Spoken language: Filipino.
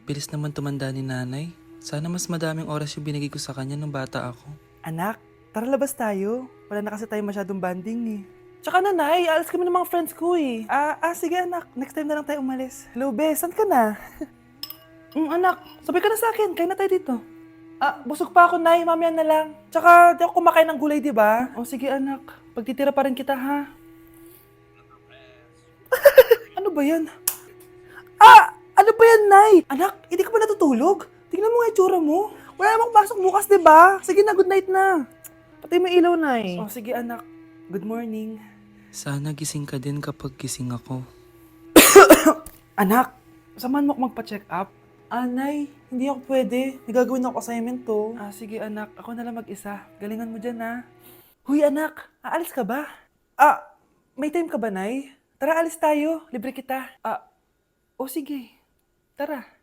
bilis naman tumanda ni nanay. Sana mas madaming oras yung binigay ko sa kanya nung bata ako. Anak, tara labas tayo. Wala na kasi tayo masyadong banding eh. Tsaka nanay, alas kami ng mga friends ko eh. Sige anak, next time na lang tayo umalis. Hello, Bes, saan ka na? Anak, sabay ka na sa akin, kain na tayo dito. Busog pa ako, Nay, mamaya na lang. Tsaka, di ako kumakain ng gulay, di ba? O sige anak, pagtitira pa rin kita ha. Ano ba yan? Ano ba yan, Nay? Anak, hindi ka ba natutulog? Tingnan mo nga itsura mo. Wala namang pasok bukas, di ba? Sige na, good night na. Patay mo ilaw, Nay. O sige anak, good morning. Sana gising ka din kapag gising ako. Anak, samahan mo ako magpa-check up. Nay, hindi ako pwede. May gagawin ako assignment to. Sige anak, ako na lang mag-isa. Galingan mo dyan ha. Huy anak, aalis ka ba? May time ka ba, Nay? Tara, alis tayo. Libre kita. Sige. Tara.